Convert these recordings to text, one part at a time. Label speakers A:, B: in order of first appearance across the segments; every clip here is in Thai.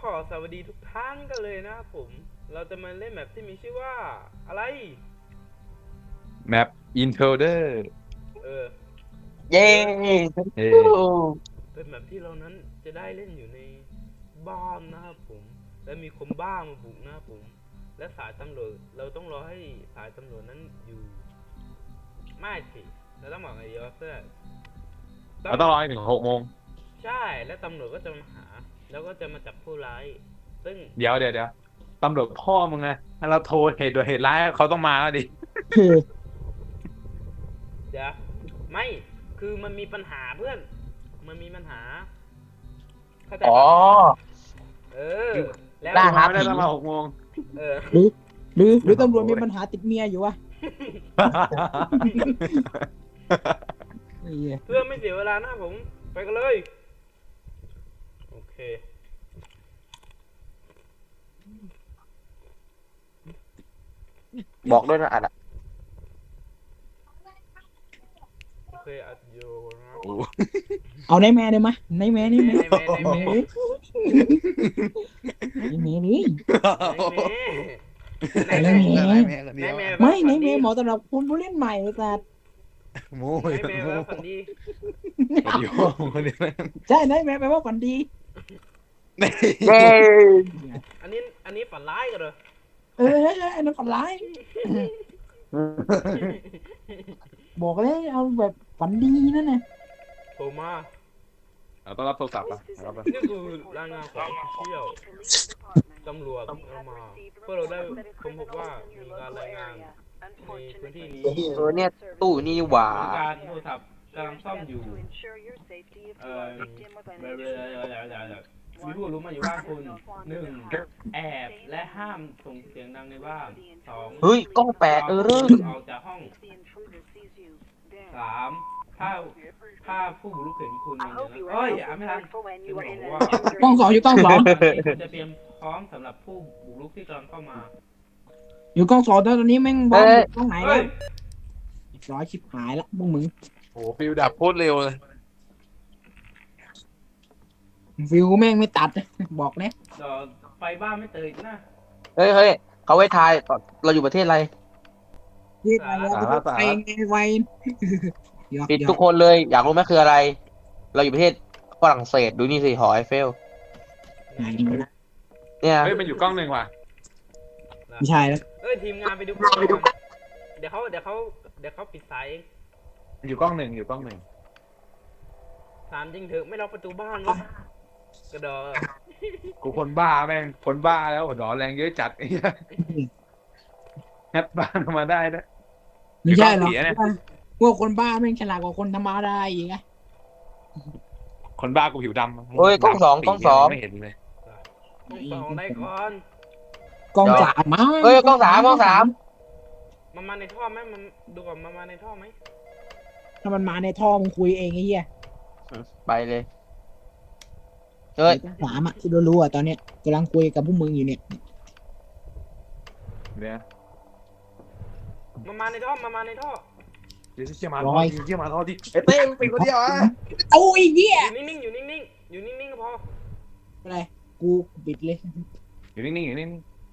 A: ขอสวัสดีทุกท่านกันเลยนะครับผมเราจะมาเล่นแมปที่มีชื่อว่าอะไร
B: แมป Intruder
A: เออ
C: เย้
B: เฮ้
A: เป็นแมปที่เรานั้นจะได้เล่นอยู่ในบ้านนะครับผมและมีคนบ้ามาบุกนะครับผมและสายตำรวจเราต้องรอให้สายตำรวจนั้นอยู่ไม่สิเราต้องบอกไงดีวะเพื่อน
B: เราต้องรอให้ถึง6 โมง
A: ใช่แล้วตำรวจก็จะมาหาแล้วก็จะมาจับผู้ร้ายซึ่ง
B: เดี๋ยวตำรวจพ่อมึงไงถ้าเราโทรเหตุด่วนเหตุร้ายเขาต้องมาแล้วดิ
A: เดี๋ยวไม่คือมันมีปัญหาเพื่อนมันมีปัญหาเข้าใจ
C: อ๋อ
A: ปะเออแล้ว
C: ล่าท้า
B: ไม่ได้ต้องมา6 โมง
A: เออ
D: หรือตำรวจมีปัญหาติดเมียอยู่วะไอ้เหี้ย
A: เพื่อไม่เสียเวลานะผมไปกันเลยโอเค
C: บอกด้วยนะอัดอะ
A: โอเคอัดโยนะ
D: เอาในแม่ได้ไหมในแม่นี่แม่
A: ในแม่
D: ในแม่นี่
A: ในแม่ในแม่
D: ไม่ในแม่เหมาะสำหรับคุณผู้เล่นใหม่เลยสัตว์
B: โม้ย
A: ในแม่ว่าฝันดี
B: เดี๋ยวคนเดียว
D: ใช่ในแม่แปลว่าฝันดี
C: เย้
A: อันนี้ฝันร้ายกันเหรอ
D: ใช่อันนั้นฝันร้ายบอกเลยเอาแบบฝันดีนั่นน่ะ
A: โทรมา
B: เราต้องรับโทรศัพท์อ่ะรับไป
A: นี่คือรายงานของเที่ยวตำรวจเอามาเพื่อเราได้ค้นพบว่ามีการรายงานในพื้นที่นี้
C: เนี่ยตู้นี่หว่า
A: บริการโทรศัพท์กำลังซ่อมอยู่มีผู้รู้มาอยู่บ้านคุณ1แอบและห้ามส่งเสียงดังในบ้าน2
C: เฮ้ยกล้องแปด
A: อ
C: เรื่อง
A: อกจากห้อง3ถ้าผู้บุกรุกเห็นคุณอย่างนั้นเอ้ยไม่ทันจะบอกว่าก
D: ล้องสองอยู่กล้องสอง
A: คุณจะเตรียมพร้อมสำหรับผู้บุกรุกที่กำลังเข้ามา
D: อยู่กล้องสองตอนนี้แม่งบ้านอยู่กล้องไหน
A: เฮ้
D: แล้
A: ยว
D: ร้อยชิบหายละพวกมึง
B: โอ้ฟิลดับโคตรเร็วเลย
D: ฟิวแม่งไม่ตัดบอกเนี่ย
A: เดี๋ยวไปบ้านไม่ตื่นนะ
C: เฮ้ยเขาไว้ทายเราอยู่ประเทศอะไร
D: ยืดไปแล้วไปไงไวหยอก
C: ปิด
D: หย
C: ทุ
D: อก
C: กคนเลย อยากรู้ไหมคืออะไร เราอยู่ประเทศฝรั่งเศสดูนี่สิหอไอเฟล
D: ไหน
C: เนี่ย
B: เฮ้ยมันอยู่กล้องหนึ่งว่ะ
D: ไม่ใช่แล้ว
A: เอ้ยทีมงานไปดูก่อนเดี๋ยวเขาปิดสายเอง
B: มันอยู่กล้องหนึ่ง
A: ถามจริงเถอะไม่ล็อกประตูบ้านวะกระดอ
B: กูคนบ้าแม่งคนบ้าแล้วหัวหนอแรงเยอะจัดไอ้เหี้ยแฮปบ้านออกมาได้นะ
D: ไม่ใช่หรอก
B: เสียเนี่ย
D: พวกคนบ้าแม่งฉลาดกว่าคนธรรมดาอีกไง
B: คนบ้ากูผิวดำ
C: เฮ้ยกล้องสอง
B: ไม่เห็นเลย
A: ต้องส่องได้ก่อน
D: กล้องสามมา
C: เฮ้ยกล้องสาม
A: มันมาในท่อไหมมันดูก่อนมันมาในท่อไหม
D: ถ้ามันมาในท่อมึงคุยเองไอ้เหี้ย
C: ไปเลยเฮ้ย
D: กล้องสามอ่ะที่รู้อ่ะตอนเนี้ยกำลังคุยกับพวกมึงอยู่เนี่ย
B: เนี่ย
A: มันมาในท่อมันมาในท่อ
B: เดี๋ยวเชี่ยมาทอดิเชี่ยมาทอดิไอ้เต้มึงเป็นคนเดียวอ่ะ
D: โอ้ยเหี้ย
A: อยู่นิ่งๆอยู่นิ่งๆก็พอ
D: อะไรกูปิดเลย
B: อยู่นิ่งอยู่นิ่ง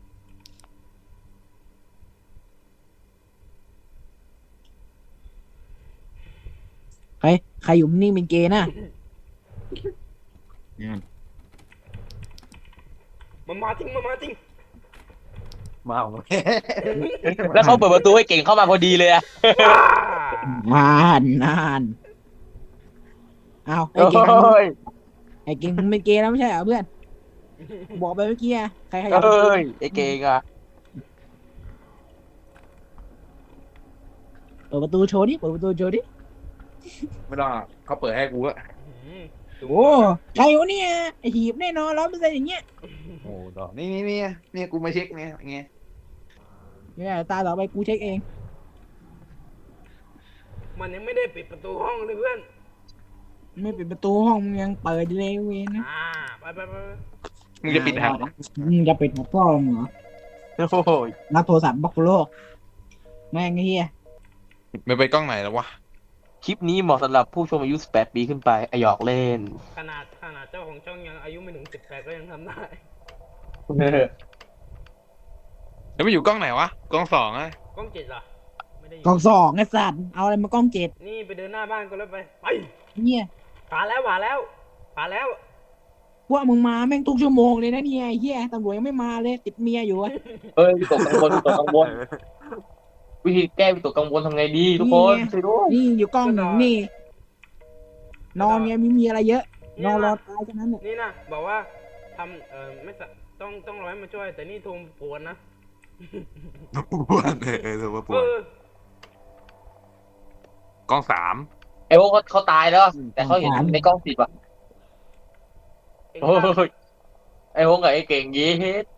D: ใครอยู่นิ่งเป็นเกย์นะ
A: มันมาจริงมันมาจริง
B: มา
C: แล้วเขาเปิดประตูให้เก่งเข้ามาพอดีเลยอะ
D: นานเอาไอ้
C: เฮ้
D: เก่ง
C: ย
D: ไอ้เก่งมึงเป็นเกย์แล้วไม่ใช่เหรอเพื่อนบอกไปเมื่อกี้อะใครอยาก
C: เฮ้ยไอเก่งอะ
D: เปิดประตูโชว์ดิเปิดประตูโชว์ดิ
B: ไม่ต้องเขาเปิดให้กูอะ
D: โอ้ใครวะเนี่ยไอหีบแน่นอน100%อย่างเงี้ย
B: โอ้ดอกนี่กูมาเช็คไงไง
D: เนี่ยตาต่อไปกูเช็คเอง
A: มันยังไม่ได้ปิดประตูห้องเลยเพื่อน
D: ไม่ปิดประตูห้องมึงยังเปิดอยู่เลยเวนนะ
A: ไป
B: มึงจะปิดหา
D: มึงจะปิดหัวพ่อมึงเหรอ
C: โอ้โห
D: รับโทรศัพท์บล็อกโลกแม่งไอ้เหี้ย
B: ไม่ไปกล้องไหนแล้ววะ
C: คลิปนี้เหมาะสำหรับผู้ชมอายุ18 ปีขึ้นไปหยอกเล่น
A: ขนาดเจ้าของช่องยังอายุไม่ถึง18ก็ยังทำได้
B: แล้วมันอยู่กล้องไหนวะกล้องสองอะ
A: กล้องเจ็ดเหรอไม่ได้อยู่
D: กล้องสองไอ้สัตว์เอาอะไรมากล้องเจ็ด
A: นี่ไปเดินหน้าบ้านก็แล้วไปไป
D: เนี่ย
A: ผ่านแล้วผ่านแล้วผ่านแล้ว
D: พวกมึงมาแม่งทุกชั่วโมงเลยนะเนี่ยไอ้เหี้ยตำรวจยังไม่มาเลยติดเมียอยู่วะ
C: เฮ้ยวิตกกังวลวิตกกังวลวิธีแก้วิตกกังวลทำไงดีทุกคนช่วยด้วย
D: นี่อยู่กล้องหนึ่งนี่ นอนไงไม่มีอะไรเยอะ นอนรอตายแค่นั้นแหละ
A: นี่นะบอกว่าทำไม่สะต้องรอให้มาช่วย แต่นี่โทรมาปวนนะ
B: ปวดโทรมาปว
A: เอ
B: ด
A: อก
B: ล้องสาม
C: ไอ้พวกเขาตายแล้ว แต่เขาเห็นในกล้อง10อ่ะ
A: เอง
C: โอ้ยไอ้พวกกับไอ้เก่งยี้เฮ็ด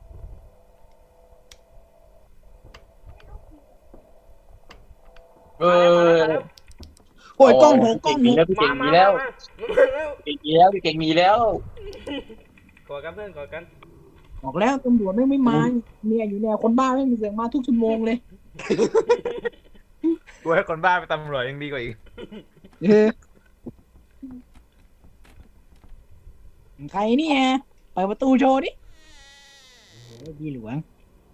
C: เอ
A: มาแล้ว
C: อ
D: โอ้ยกล้องหกกล้องห
C: มี
D: ก
C: แล้วพี่
A: มา
C: เก่ง
A: มา
C: มี
A: มา
C: แล้ว
A: มาแล้ว
C: เก่งมีแล้วพี่เก่งมีแล้ว
A: กอดกันเพื่อนกอดกัน
D: บอกแล้วตำรวจไม่มาเมียอยู่แนวคนบ้าไม่มีเสียงมาทุกชั่วโมงเลย
B: กูให้คนบ้าไปตำรวจยังดีกว่าอีก
D: เออใครเนี่ยเปิดประตูโชว์ดิโอ้ยพี่หลวง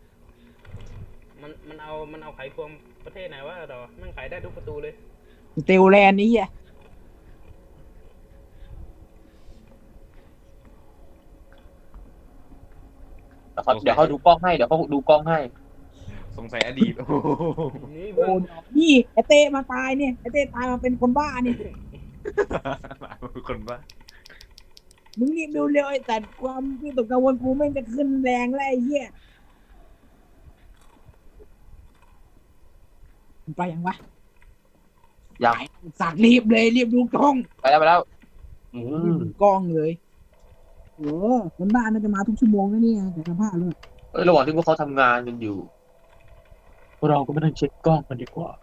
A: มันเอาไขควงประเทศไหนวะดอมันไขได้ทุกประตูเลย
D: สเตลแลนด์นี่อ่ะ
C: เดี๋ยวเขาดูกล้องให้เดี๋ยวเขาดูกล้องให้
B: สงสัยอดีตโอ้โห
A: นี่
D: โอ้
A: เพื่อน
D: นี่ไอเต้มาตายเนี่ยไอเต้ตายมาเป็นคนบ้านี่
B: คนบ้า
D: มึงรีบดูเร็วไอ้แต่ความวิตกกังวลกูแม่งจะขึ้นแรงแล้วไอ้เหี้ยมันไปยังวะ
C: ยัง
D: สัตว์รีบเลยรีบดูกล้อง
C: ไปแล้วอืม
D: กล้องเลยโอ้คนบ้านน่าจะมาทุกชั่วโมงนะเนี่ยแต่สภาพเลย
C: ระหว่างที่พวกเขาทำงานกันอยู่พวกเราก็ไม่ต้องเช็คกล้องกันดีกว่า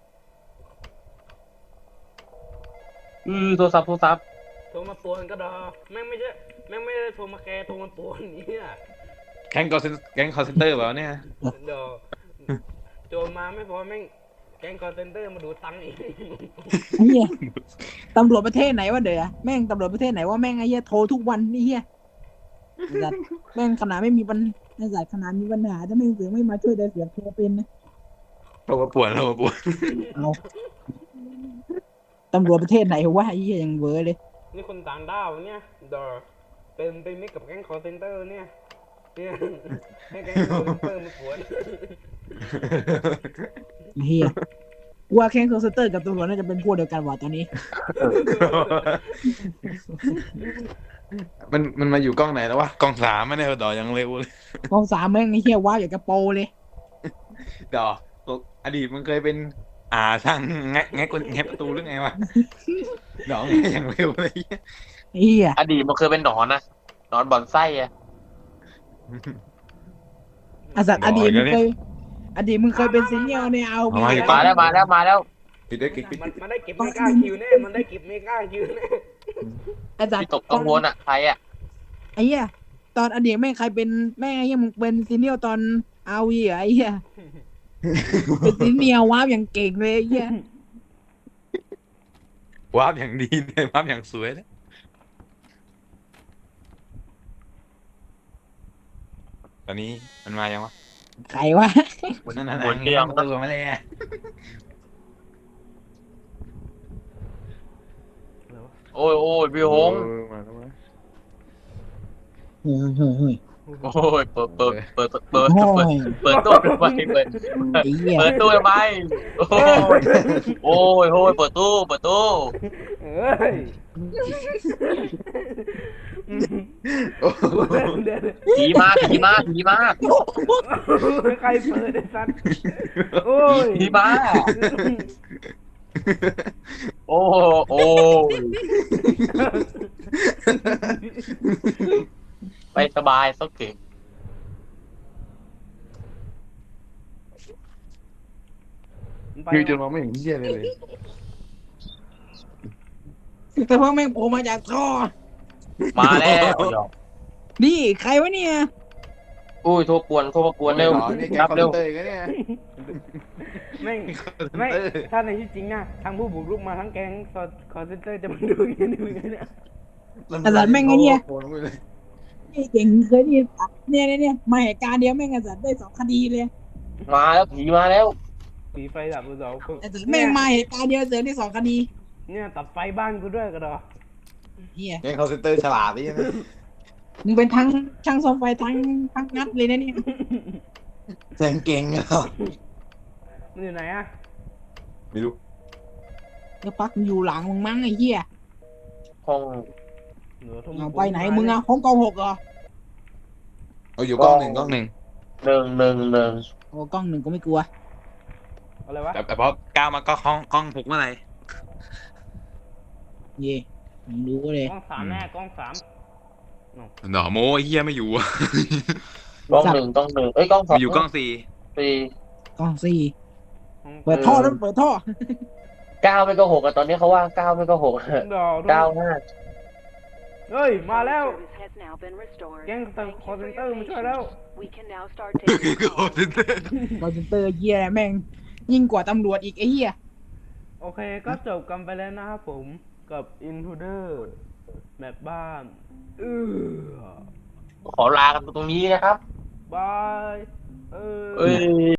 C: โทรศัพท์
A: โทรมาปวนก็ดอแม่งไม่ใช่แม่งไม่ได้โทรมาแกโทรมาปวนเนี่ย
B: แก๊งคอร์เซนเตอร์เปล่าเนี่ย
A: ดอโจรมาไม่พอแม่งแก๊งคอร์เซนเตอร์มาดูตังค์อีก
D: ไอ้เหี้ยตำรวจประเทศไหนวะเดี๋ยวแม่งตำรวจประเทศไหนว่าแม่งไอ้เหี้ยโทรทุกวันนี่เหี้ยไอ้สัตว์แม่งขนาดไม่มีปัญไอ้สัตว์ขนาดมีปัญหาถ้าแม่งเสือกไม่มาช่วยแต่เสือกโทรเป็นนะ
B: เรามาปวด
D: เอาตำรวจประเทศไหนวะไอ้เหี้ยยังเวอร์เลย
A: นี่คนต่างด้าวเนี่ยดอเป็นมิตรกับแก๊งคอร์เซนเตอร์เนี่ยให้แก๊งคอร์เซนเตอร์มาปวน
D: ไอ้เหี้ยกูว่าแค่โคสเตอร์กับตำรวจน่าจะเป็นพวกเดียวกันว่ะตอนนี้
B: มันมาอยู่กล้องไหนแล้ววะกล้องสามไม่ได้ดอยังเร็วเลย
D: กองสามแม่งไอ้เหี้ยว้าวอย่างกระโปรงเลย
B: ดออดีตมันเคยเป็นช่างแงะประตูหรือไงวะดอแงะอย่างเร็วเลย
D: ไอ้เหี้ย
C: อดีตมันเคยเป็นหนอนนะหนอนบ่อนไส้อะ
D: อาสัตว์อดีตมึงเคยเป็นซีเนียร์ในเอา
C: มาแล้ว
B: ปิดด้วยกิ๊กปิด
A: มันได้เก็บเมกาคิวแน่มันได้เก็บเมกาคิวแน่
D: ไอ้สัต
C: ที่
D: ว์
C: ตกกังวลอ่ะใครอ่ะ
D: ไอ้เหี้ยตอนอดีตแม่งใครเป็นแม่งไอ้เหี้ยมึงเป็นซีเนียร์ตอนอาวีเหรอไอ้เหี้ยเป็นซีเนียร์ว้าวอย่างเก่งเลยไอ้เหี้ย
B: วาร์ปอย่างดีเลยวาร์ปอย่างสวยเลยตอนนี้มันมายังวะ
D: ใครวะ
B: นั่นตัวมาเลย
C: โอ้ยพี่หง
B: มาแล้วมา
D: เฮ้ย
C: โอ้ยเปิดตู้ทำไมเปิด
D: โอ้ย
C: เปิดตู้ทำไม
D: ไอ้เหี้ย
C: โอ้ยเปิดตู้
A: เอ้ย
C: ผีมาก
A: ใครเปิดไอ้สัตว์โอ้ย
C: ผีมากโอ้ยไปสบายสักเก่ง
B: คิวจนมองไม่เห็นเหี้ยเลย
D: แต่พวกแม่งโผล่มาจากท่อ
C: มาแล้ว
D: นี่ใครวะเนี่ย
C: โอ้ยโทรมากวนเร็ว
B: นี่แก
C: รับ
B: คอน
C: เร็ว
B: เตอร์กันเนี่ย
A: ไม่ไม่ถ้าในที่จริงนะทางผู้บุกรุกมาทั้งแก๊งคอร์เซนเตอร์จะมาดูอย่างนี้ดูอย่างนี้เนี่ย
D: ไอ้สัตว์แม่งไอ้เนี่ย
B: โผล่ลงไปเลย
D: ไอ้เก่งเคยได้ยินเนี่ยมาเหตุการณ์เดียวแม่งไอ้สัตว์ได้2 คดีเลย
C: มาแล้วผีมาแล้ว
A: สีไฟดับกูสอง
D: ไอ้สัตว์แม่งมาเหตุการณ์เดียวเสือได้2 คดี
A: เนี่ยตัดไฟบ้านกูด้วยกันเหรอ
D: เฮีย
B: แก๊งเขาเซ็นเตอร์ฉลาดนี่นะ
D: มึงเป็นทั้งช่างซ่อมไฟทั้งงัดเลยนะเนี่ย
B: แซงเก่งอ่ะ
A: มันอยู่ไหนอะ
B: ไม่รู้
D: เดี๋ยวปักมึงอยู่หลังมึงมั้งไอ้เหี้ย
C: ห้อง
A: เหนือทุ่ม
D: เอาไปไหนมึงอะห้องกอง6เหรอ
B: เอาอยู่กล้องหนึ่ง
C: หนึ่ง
D: โอ้กล้อง 1ก็ไม่กลัว
A: อะไรวะ
B: แต่พอก้าวมาก็กล้อง6เมื่อไหร่
D: เย่มึงรู้เลย
A: กล้องสามแน่กล้องสาม
B: หนอโมไอ้เหี้ยไม่อยู่
C: กล้องหนึ่งเอ้ยกล้องสอง
B: อยู่กล้อง4
C: สี่
D: กล้อง4
A: ห้อง
D: เปิดท่อแล้วเปิดท่อ
C: 9ไม่ก็6อะตอนนี้เขาว่า9ไม่ก็6
A: ดอก
C: 9 5
A: เฮ้ย มาแล้ว
E: Service has now been restored.
A: แก๊ง
E: Thank you
A: คอ
E: for
A: เซน
E: your
A: เตอร์มาช่วยแล้ว
E: patience. We can now start taking
B: ก็
E: calls.
B: เซ็นเตอร์
D: คอนเซนเตอร์เหี้ยแม่งยิ่งกว่าตำรวจอีกไอ้เหี้ย
A: โอเค ก็จบกันไปแล้วนะครับผมกับ Intruder แมปบ้าน
C: ขอลากันตรงนี้นะครับ
A: บาย
C: เอ้ย